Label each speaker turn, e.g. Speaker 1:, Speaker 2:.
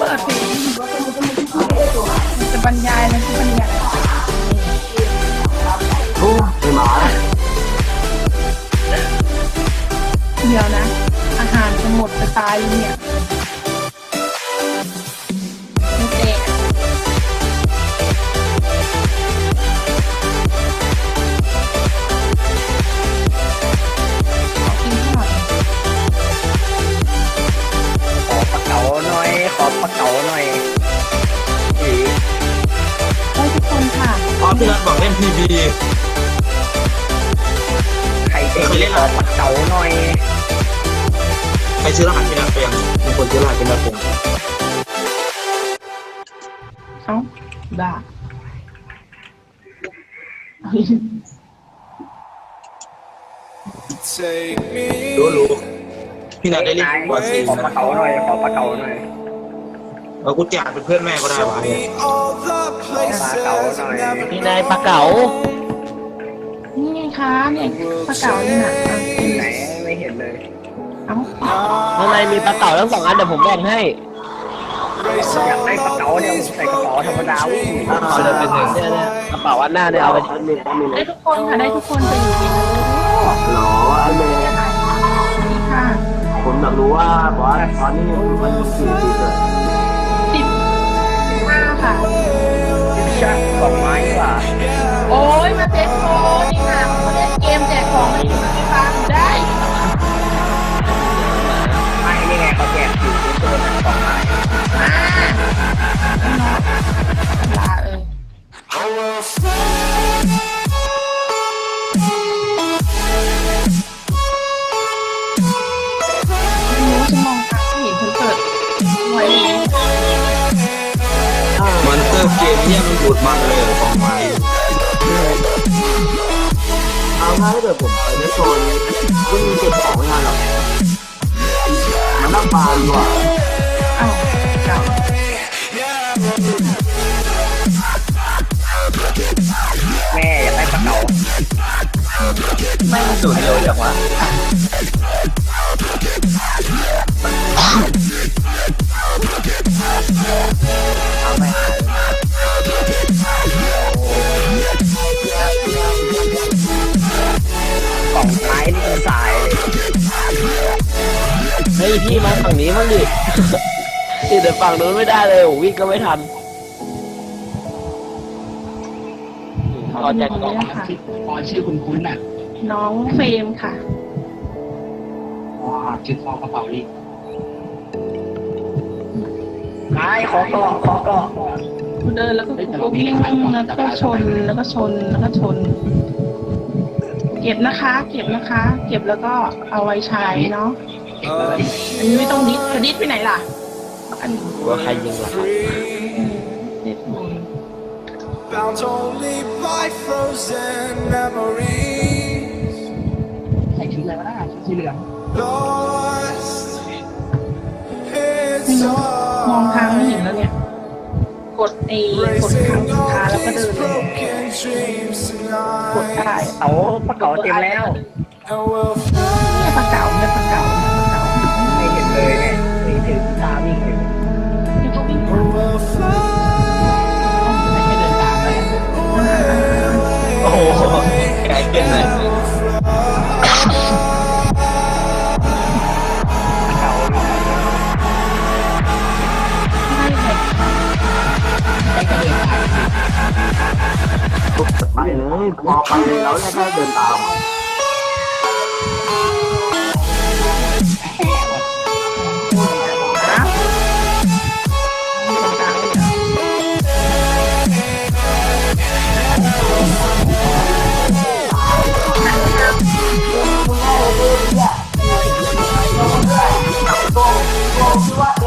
Speaker 1: ปิดเพลงจะบรรยายอะไรที่บรรยาย
Speaker 2: โอ้ไม่มา
Speaker 1: เดี๋ยวนะ อาหารจะหมดจะตายเนี่ยไม่เจ๊ขอกินข้าวหน่อย
Speaker 3: ขอปลาเก๋าหน่อยขอปลาเก๋าหน่อยอี
Speaker 1: ได้ทุกคนค่ะ
Speaker 2: อ๋อพี่นัทบอกเล่นพีบี
Speaker 3: ใครเจ๊ขอปลาเก๋าหน่อย
Speaker 2: ใครซื้อรหัสพี่นัทไปยังมีคนซื้อรหัสพี่นัทไปยัง
Speaker 1: เอ้าด่า
Speaker 2: รู้พี่นัทได้เล่น
Speaker 3: นาย
Speaker 2: กว่าสี่
Speaker 3: ขอปลาเก๋าหน่อยขอปลาเก๋าหน่อย
Speaker 2: กูแจกเป็นเพื่อนแม่ก็ได้วะ
Speaker 3: ขอปลาเก๋าหน่อย
Speaker 4: นี่นายปลาเก๋า
Speaker 1: นี่ไงคะเนี่ยปลาเก๋าเนี่ยน่ะอ่ะกิน
Speaker 3: ไหนไม่เห็นเลย
Speaker 1: เอ้า
Speaker 4: ข้างในมีปลาเก๋าทั้ง2 อันเดี๋ยวผมแบ่งให้
Speaker 3: อยากได้ปลาเก๋าเนี่ยผมใส่กระเป๋าธรรมดาวิ่ง
Speaker 4: เอาเลยเป็นหนึ่งเนี่ยกระเป๋าอันหน้าเนี่ยเอาไปชิ้นหนึ่ง
Speaker 1: ได้ทุกคนค่ะได้ทุกคนจะอยู่ในนี้
Speaker 2: หรอไอ้เมย์
Speaker 1: นี่ค่ะ
Speaker 2: ผมอยากรู้ว่าบอสตอนนี้มันกี่ปีเลย
Speaker 1: 15ค่ะ
Speaker 3: ชักดอกไม้ว่ะ
Speaker 1: โอ้ยมาเซ็ตโฟนี่ค่ะมาเล่นเกมแจกของให้อยู่ที่บ้านได้
Speaker 3: ไม่นี่ไงเขาแจกอยู่ในตัวนั้นดอกไม้
Speaker 1: มาลาไม่รู้ฉันมองทางไม่เห็นฉันเปิดไว้
Speaker 2: มันเตอร์เกมเนี่ยมันบูดมันเลยของไม้เอาถ้าเกิดผมไปในโซนวิ่งเก็บของไม่ทันหรอกมันนั่งปาดีกว่า
Speaker 1: อ้าวเก่า
Speaker 3: แม่อยากได้ปลาเก๋า
Speaker 4: ไม่สุดเร็วจังวะ
Speaker 3: เอาไม่หายกล่องไม้นี่เป็นสายเลย
Speaker 4: เฮ้ยพี่มาฝั่งนี้บ้างดินี่เดี๋ยวฝั่งนู้นไม่ได้เลยโอ้วิ่งก็ไม่ทันรอแจกกล่อง
Speaker 1: ค่ะ
Speaker 5: พอชื่อคุณคุ้นน่ะ
Speaker 1: น้องเฟรมค่ะ
Speaker 5: อ๋อชื่อฟองกระเป๋านี่
Speaker 3: ไม้ขอเกาะขอเกาะ
Speaker 1: เดินแล้วก็วิ่งแล้วก็ชนแล้วก็ชนแล้วก็ชน เก็บนะคะ เก็บนะคะ เก็บแล้วก็เอาไว้ใช้เนาะอันนี้ไม่ต้องดิสจะดิสไปไหนล่ะอันนี้
Speaker 4: ว่าใครยิงล่ะครับ
Speaker 1: เด็ดหมด
Speaker 6: Bound only by frozen memories.
Speaker 5: ใส่ชุดอะไรวะน่ะชุดสีเหลือง
Speaker 6: Lost
Speaker 1: ไม่
Speaker 6: in
Speaker 1: รู้มองทางไม่เห็น
Speaker 6: time.
Speaker 1: แล้วเนี่ย กดกดครั้ง
Speaker 6: Racing
Speaker 1: สุด
Speaker 6: all
Speaker 1: ท้ายแล้วก็เดิ
Speaker 6: these
Speaker 1: นเลย
Speaker 6: broken dreams
Speaker 1: กด
Speaker 6: tonight.
Speaker 1: ได้
Speaker 3: เอาปลาเก๋าเต็มแล้ว
Speaker 6: And we'll
Speaker 1: เนี่ยปลาเก๋าเนี่ยปลาเก๋าเนี่ยปลาเก๋า
Speaker 3: ไม่เห็นเลยเนี่ยนี่ถือกีตาร์วิ่งอยู่
Speaker 1: เนี่ยก็วิ่ง
Speaker 6: we'll fly
Speaker 5: ไม่ใช่เดินตามเลย
Speaker 4: โอ้โหไกลเกินเลย
Speaker 3: เก๋า
Speaker 1: ไม่เลย
Speaker 5: ได้กระเด็นตาม
Speaker 2: ไปเลยพอไปแล้วแค่เดินตาม